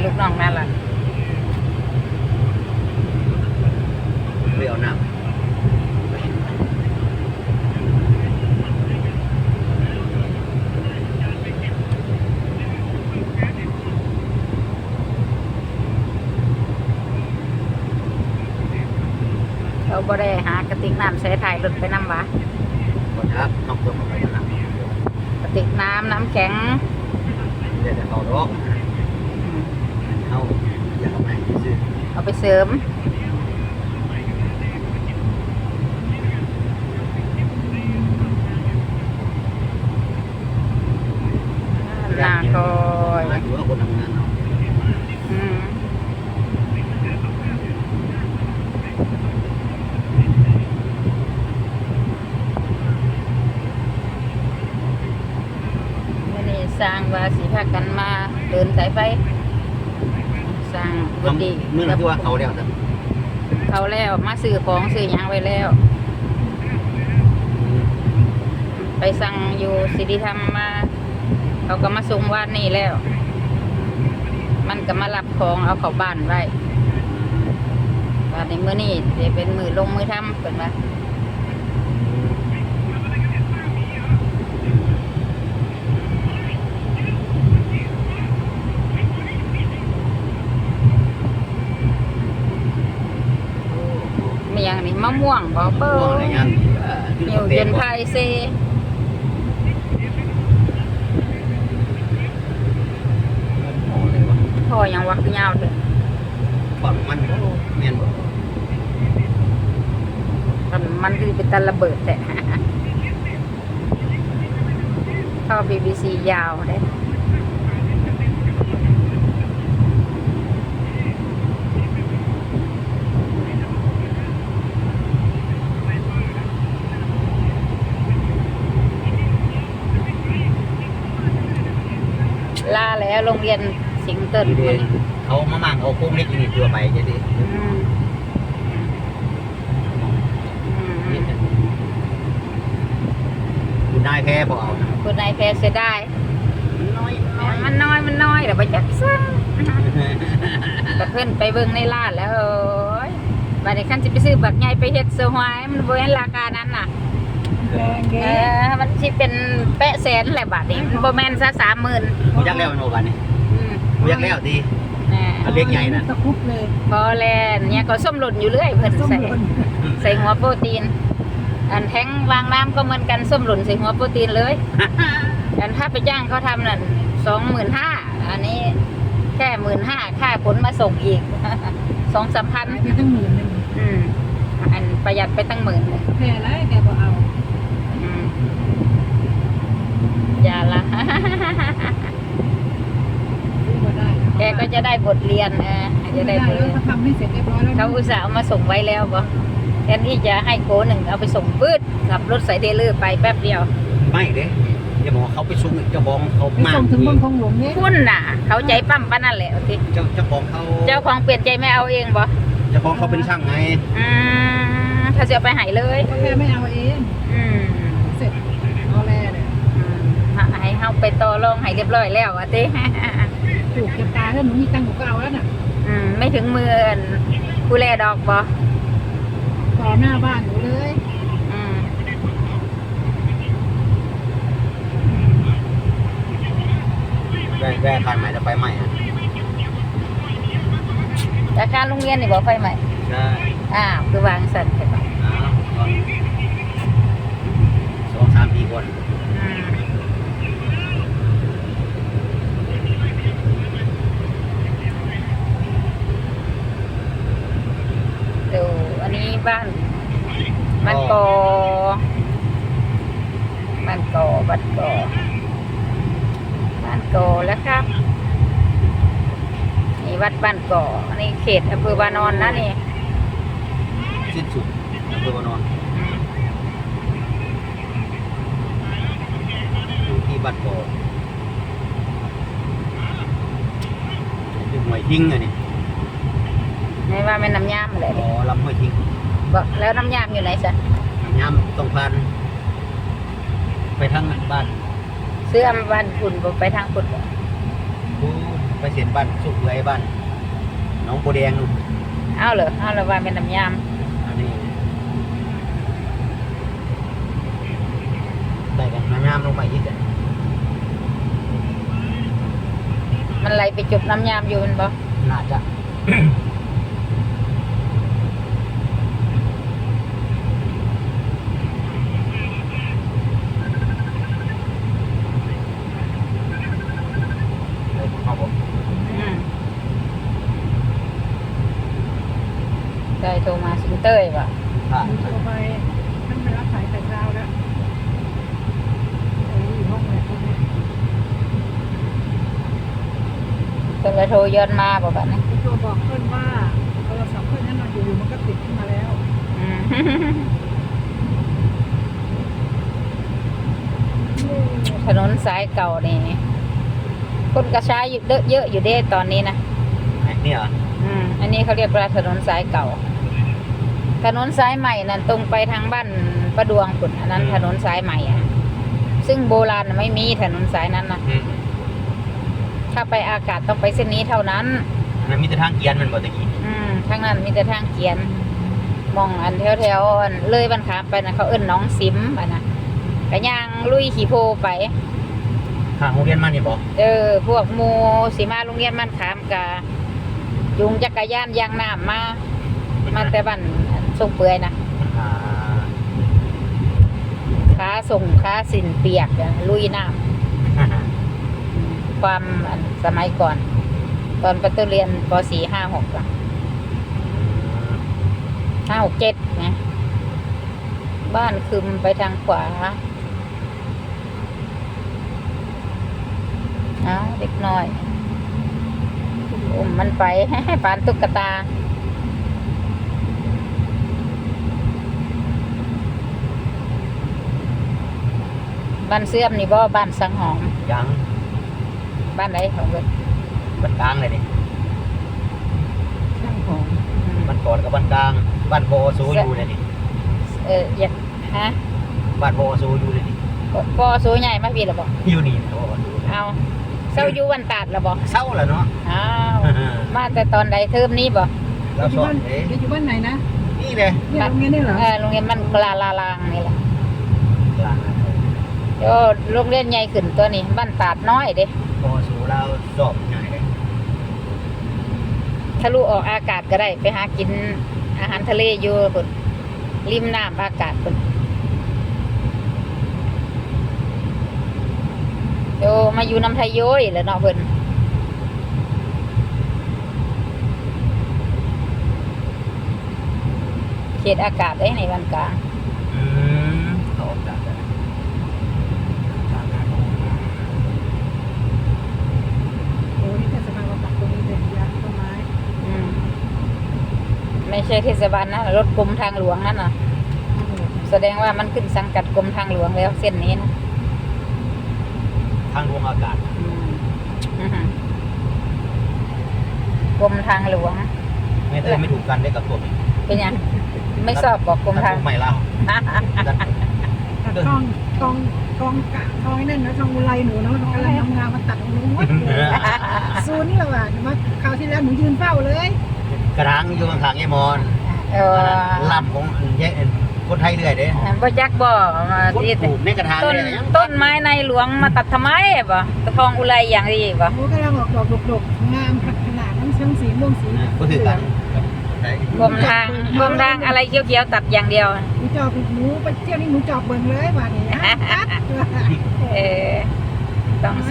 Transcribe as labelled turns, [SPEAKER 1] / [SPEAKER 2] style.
[SPEAKER 1] ลูกน้องนั่นล่ะ
[SPEAKER 2] เปรี้ยวน้ำ
[SPEAKER 1] เขาบ่ได้หากระติกน้ำใส่ถ่ายรถไปน้ำวะ
[SPEAKER 2] กดทักนอกตัวเข้าไปแล้วนะ
[SPEAKER 1] กระติกน้ำแข็ง
[SPEAKER 2] เดี๋ยวจะเขาดอกเอาอย่าเอาไปซื้อ
[SPEAKER 1] เอาไปเสริมลาคอย
[SPEAKER 2] หรือว่าคนทำงานเนาะ
[SPEAKER 1] สร้างว่าสีพากันมาเดินสายไฟสร้างบุญดี
[SPEAKER 2] เมื่อที่ว่าเขาแล้ว
[SPEAKER 1] เขาแล้วมาซื้อของซื้อหยังไว้แล้วไปสั่งอยู่สิริธรรมมาเขาก็มาส่งวันนี้แล้วมันก็มารับของเอาเข้าบ้านไว้วันในมื้อนี้จะเป็นมือลงมือทำเป็นว่ามีอย่างนี้มะม่วงบ่เปิ้ลนิวเจนไพเซพอยังวักยาวเลย
[SPEAKER 2] ฝั่งมันเมียนบ่
[SPEAKER 1] มันคือเป็นตะระเบิดแต่ท่อ BBC ยาวเลยลาแล้วโรงเรียนสิงห์เติ้ล
[SPEAKER 2] เขามามั่งเอาโค้งเล็กนี่ตัวไปจะดีคุณนายแพ้พอเอา
[SPEAKER 1] คุณนายแพ้เสียได้มันน้อยเดี๋ยวไปจักซ้ำแต่เพื่อนไปเบิ่งในร้านแล้วบัดนี้ขั้นจะไปซื้อบักใหญ่ไปเฮ็ดเสื้อหวายมันบ่เห็นราคานั้นน่ะมันที่เป็นแปะแสนแหละบาทนี้โบแมนซะ30,000
[SPEAKER 2] กูยักแล้วโนวันนี้กูยักแล้วดีเล็กใหญ่นะ
[SPEAKER 1] พอแล้วเนี่ยก็ส้มหล่นอยู่เรื่อยเพิ่นใส่หัวโปรตีนอันแท้งวางน้ำก็เหมือนกันส้มหล่นใส่หัวโปรตีนเลยอันถ้าไปจ้างเขาทำนั่น25,000อันนี้แค่15,000ค่าขนมาส่งอีก2-3 พัน
[SPEAKER 3] ตั้ง10,000
[SPEAKER 1] อันประหยัดไปตั้ง10,000เลย
[SPEAKER 3] แค่ไรแกบอกเอา
[SPEAKER 1] อย่าละแกก็จะได้บทเรียนจะได้บทเรียน
[SPEAKER 3] เขาทำให้เสร็จเรียบร้อยแล้ว
[SPEAKER 1] เขาอุตส่าห์เอามาส่งไว้แล้วบ่แทนที่จะให้โก1เอาไปส่งปื๊ดขับรถใส่เทเลอร์ไปแป๊บเดียว
[SPEAKER 2] ไม่เด้อย่าบอกเขาไปส่งเจ้าของเขา
[SPEAKER 3] มาส่งถึงบางคงหลวงเนี่ย
[SPEAKER 1] คุณน่ะเขาใจปั้มป้านั่นแหละที
[SPEAKER 2] เจ้าของเขา
[SPEAKER 1] เจ้าของเปลี่ยนใจไม่เอาเองบ่
[SPEAKER 2] เจ้าของเขาเป็นช่างไง
[SPEAKER 1] เขาจะไปหายเลย
[SPEAKER 3] แค่ไม่เอาเองเสร็จเอาแล่เนี่ย
[SPEAKER 1] ให้เขาไปต่อรองให้เรียบร้อยแล้วอ่ะที
[SPEAKER 3] ถูกเก็บตาถ้าหนูมีตังค์หนูก็เอาแล้วน่ะ
[SPEAKER 1] ไม่ถึงมือผู้แลดอกบ่
[SPEAKER 3] ต่อหน้าบ้านหนูเลย
[SPEAKER 2] แว่การใหม่จะไปใหม่
[SPEAKER 1] จากการโรงเรียนนี่บอกไฟใหม่
[SPEAKER 2] ใช่
[SPEAKER 1] คือวางสั่นใช่ปะ
[SPEAKER 2] 2-3 ปีก่อน
[SPEAKER 1] ดูอันนี้บ้านกอบ้านกอแล้วครับนี่วัดบ้านกออันนี้เขตอำเภอวานอนนะนี่
[SPEAKER 2] สิ้นสุดอำเภอวานอนอยู่ที่บ้านกออยู่ห้วยทิ้งอันนี้
[SPEAKER 1] ไม่ว่าเป็นน้ำยามเลย
[SPEAKER 2] ลำห้วยทิ้ง
[SPEAKER 1] บอกแล้วน้ำยามอยู่ไหนจ๊ะ
[SPEAKER 2] น้ำยามตรงพันไปทางบ้าน
[SPEAKER 1] เสื้อบ้านคุณบอกไปทางคุณ
[SPEAKER 2] ไปเส้นบ้านสุกเลยบ้านน้องโบแดงนู่น
[SPEAKER 1] เอาเหรอว่าเป็นน้ำยาม
[SPEAKER 2] อันนี้ได้กันน้ำยามลงไปอีกอ่ะ
[SPEAKER 1] มันไหลไปจุดน้ำยามอยู่มันบ่
[SPEAKER 2] น่าจะครับผม
[SPEAKER 1] ได้โทรมาสิงเต้ยว่ะ
[SPEAKER 2] ผ่าน
[SPEAKER 3] โทรไปท่านไปรับสายแต่เช้าแล้วอยู่ห้องไหนตรงนี้
[SPEAKER 1] เพิ่นเลยโทรย้อนมาบ่บัดนี้
[SPEAKER 3] โทรบอกเพื่อนว่าโทรศัพท์เพื่อนนั้นอยู่ๆมันก็ติดขึ้นมาแล้ว
[SPEAKER 1] อืม ถนนสายเก่านี่คนกระช้ายอยู่เยอะอยู่เด้ตอนนี้นะ
[SPEAKER 2] นี่เหรอ
[SPEAKER 1] อันนี้เขาเรียกว่าถนนสายเก่า ถนนสายใหม่นั่นตรงไปทางบ้านประดวงปุ่นอันนั้นถนนสายใหม่อ่ะ ซึ่งโบราณไม่มีถนนสายนั้นนะถ้าไปอากาศต้องไปเส้นนี้เท่านั้น
[SPEAKER 2] อันนั้นมีแต่ทางเกียนมันบ่ตะกี้
[SPEAKER 1] ทางนั้นมีแต่ทางเขียน มองอันแถวๆอันเลยบ้านขามไปนะเขาเอิ้นน้องซิมอ่ะนะกระย่างลุยขี่โพไป
[SPEAKER 2] ทางโรงเรียนมันนี่บ่
[SPEAKER 1] พวกหมูสีมาโรงเรียนบ้านขามกะยุงจักรยานยางน้ำมาแต่บ้านส่งเปื่อยนะ
[SPEAKER 2] อ่า
[SPEAKER 1] ค้าส่งค้าสินเปียกอะลุยน้ำความอันสมัยก่อน ตอนประตูเรียนป .4 5 6 5 6 7นะบ้านคืมไปทางขวาเด็กน้อยอุ้มมันไป ปานตุ๊กตาบ้านเสื่อมนี่บ่บ้านสังหอม
[SPEAKER 2] ยัง
[SPEAKER 1] บ้านไหนของเพิ่น
[SPEAKER 2] บ้านกลางเลยนี่
[SPEAKER 3] ช่างของ
[SPEAKER 2] บ้านก่อนกับบ้านกลางบ้านโพสูอยู่เลยนี่
[SPEAKER 1] อย่าฮะ
[SPEAKER 2] บ้านโพสูอยู่เลยนี่
[SPEAKER 1] ปอโซใหญ่มาพี่ละบ่
[SPEAKER 2] อยู่นี่นะบ่
[SPEAKER 1] เอาเศร้าอยู่วันตาดละบ่
[SPEAKER 2] เศร้าแล้วเนาะ
[SPEAKER 1] อ้าวมาแต่ตอนใดเทอมนี้บ่
[SPEAKER 2] เราสอนเด้
[SPEAKER 3] อยู่บ้านไหนนะ
[SPEAKER 2] นี่เลย
[SPEAKER 3] เนี่ยโรงเรียนนี่เหรอ
[SPEAKER 1] โรงเรียนมันกลาลาลางนี่แหละ
[SPEAKER 2] กลางนะ
[SPEAKER 1] โยโรงเรียนใหญ่ขึ้นตัวนี้บ้านตาดน้อยเด้
[SPEAKER 2] โพสูเราสอบง่ายเลย
[SPEAKER 1] ทะลุออกอากาศก็ได้ไปหากินอาหารทะเลอยู่พุ่นริมน้ำอากาศพุ่นโยมาอยู่น้ำไทยโย้ยแหล้วเนาะเพิ่นเขตอากาศได้ในวันกลาง
[SPEAKER 2] เขาออกจากกัน
[SPEAKER 3] โอ้นี่เทศบาลมาตัดตรงนี้เลยยางต้นไม้
[SPEAKER 1] ไม่ใช่เทศบาลนะรถกรมทางหลวงนั่นน่ะ แสดงว่ามันขึ้นสังกัดกรมทางหลวงแล้วเส้นนี้นะ
[SPEAKER 2] ทางดวงอากาศ
[SPEAKER 1] กรมทางหลวง
[SPEAKER 2] ไม่ถูกกันได้กับตัวนี้
[SPEAKER 1] เป็นยังไม่สอบบอกกรมทาง
[SPEAKER 2] ใหม่เล่า
[SPEAKER 3] ตัดกองกะกองนั่นนะทองอุไรหนูเนาะทองอะไรทำงานมาตัดตรงนู้นซูนเลยว่ะมาคราวที่แล้วหนูยืนเฝ้าเลย
[SPEAKER 2] กระถางอยู่ข้างๆไอ้มอนลำของคนไทยเรื่อยเด้
[SPEAKER 1] บ่จักบ่มา
[SPEAKER 2] คน
[SPEAKER 1] ที่
[SPEAKER 2] ปลูกในกระถาง
[SPEAKER 1] ต้น
[SPEAKER 2] เลย
[SPEAKER 1] ต้นไม้ในหลวงมาตัดทำไมบ่ตะทองอุไรอย่างดีบ่
[SPEAKER 3] หนูกำลังออกดอกดกๆงามขนาดนั้นทั้งสีม่วงสี
[SPEAKER 2] ก็ถือกัน
[SPEAKER 1] กรมทางอะไรเขียวๆตัดอย่างเดียว
[SPEAKER 3] หนูจอบหนูไปเที่ยวนี่หนูจอบเบิ่งเลยว่านี่ตัด
[SPEAKER 1] ต้อง